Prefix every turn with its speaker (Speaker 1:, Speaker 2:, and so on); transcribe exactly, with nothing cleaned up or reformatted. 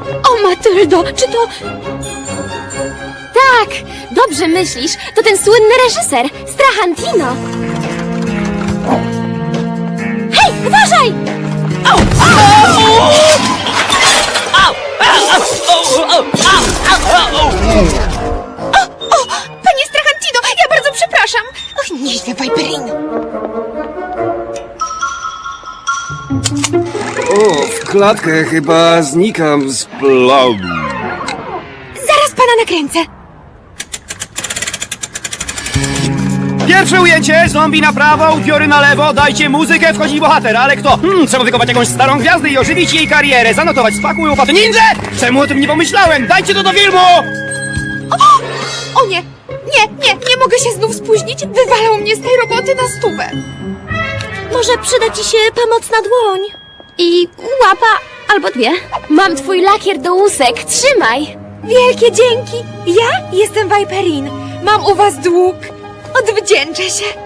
Speaker 1: O, Matyldo, czy to...
Speaker 2: Tak, dobrze myślisz. To ten słynny reżyser, Strahantino. Hej, uważaj!
Speaker 3: Au! Au! Au! Au! Au! Au! Au! Au!
Speaker 1: O, panie Strahantino, ja bardzo przepraszam. Och, nieźle, Viperino.
Speaker 4: O, w klatkę chyba znikam z planu.
Speaker 1: Zaraz pana nakręcę.
Speaker 5: Pierwsze ujęcie, zombie na prawo, upiory na lewo, dajcie muzykę, wchodzi bohater, ale kto? Hmm, trzeba wykopać jakąś starą gwiazdę i ożywić jej karierę, zanotować, spakuj łopaty. Ninja! Czemu o tym nie pomyślałem? Dajcie to do filmu!
Speaker 1: O, o nie, nie, nie, nie mogę się znów spóźnić. Wywalą mnie z tej roboty na stówę.
Speaker 2: Może przyda ci się pomocna dłoń. I łapa albo dwie. Mam twój lakier do łusek, trzymaj.
Speaker 1: Wielkie dzięki. Ja jestem Viperin. Mam u was dług. Odwdzięczę się.